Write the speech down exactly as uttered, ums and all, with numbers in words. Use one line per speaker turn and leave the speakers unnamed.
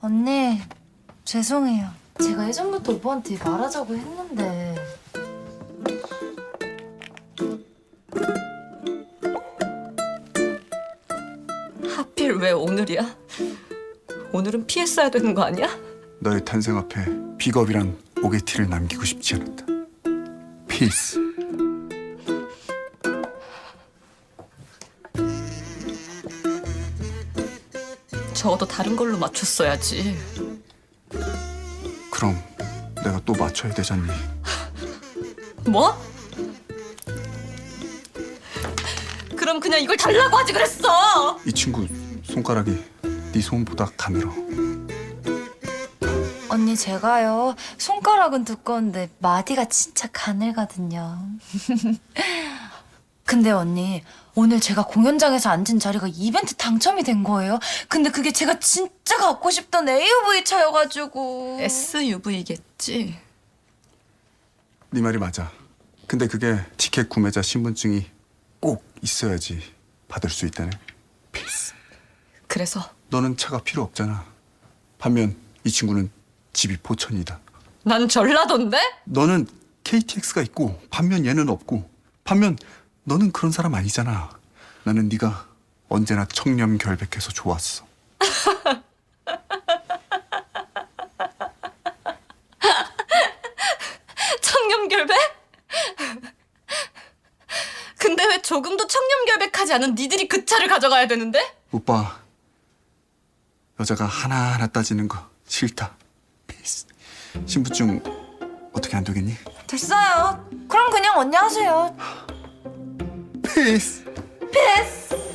언니, 죄송해요. 제가 예전부터 오빠한테 말하자고 했는데.
하필 왜 오늘이야? 오늘은 피했어야 되는 거 아니야?
너의 탄생 앞에 비겁이란 오게티를 남기고 싶지 않았다. 피스.
적어도 다른 걸로 맞췄어야지.
그럼 내가 또 맞춰야 되잖니.
뭐? 그럼 그냥 이걸 달라고 하지 그랬어!
이 친구 손가락이 네 손보다 가늘어.
언니, 제가요. 손가락은 두꺼운데 마디가 진짜 가늘거든요. 근데 언니, 오늘 제가 공연장에서 앉은 자리가 이벤트 당첨이 된 거예요. 근데 그게 제가 진짜 갖고 싶던 에이유브이 차여가지고.
에스유브이겠지?
네 말이 맞아. 근데 그게 티켓 구매자 신분증이 꼭 있어야지 받을 수 있다네. 피스.
그래서
너는 차가 필요 없잖아. 반면 이 친구는 집이 포천이다.
난 전라도인데?
너는 케이티엑스가 있고 반면 얘는 없고 반면 너는 그런 사람 아니잖아. 나는 네가 언제나 청렴결백해서 좋았어.
청렴결백? 근데 왜 조금도 청렴결백하지 않은 니들이 그 차를 가져가야 되는데?
오빠, 여자가 하나하나 따지는 거 싫다. 피스. 신분증 어떻게 안 되겠니?
됐어요. 그럼 그냥 언니 하세요.
피스.
패스.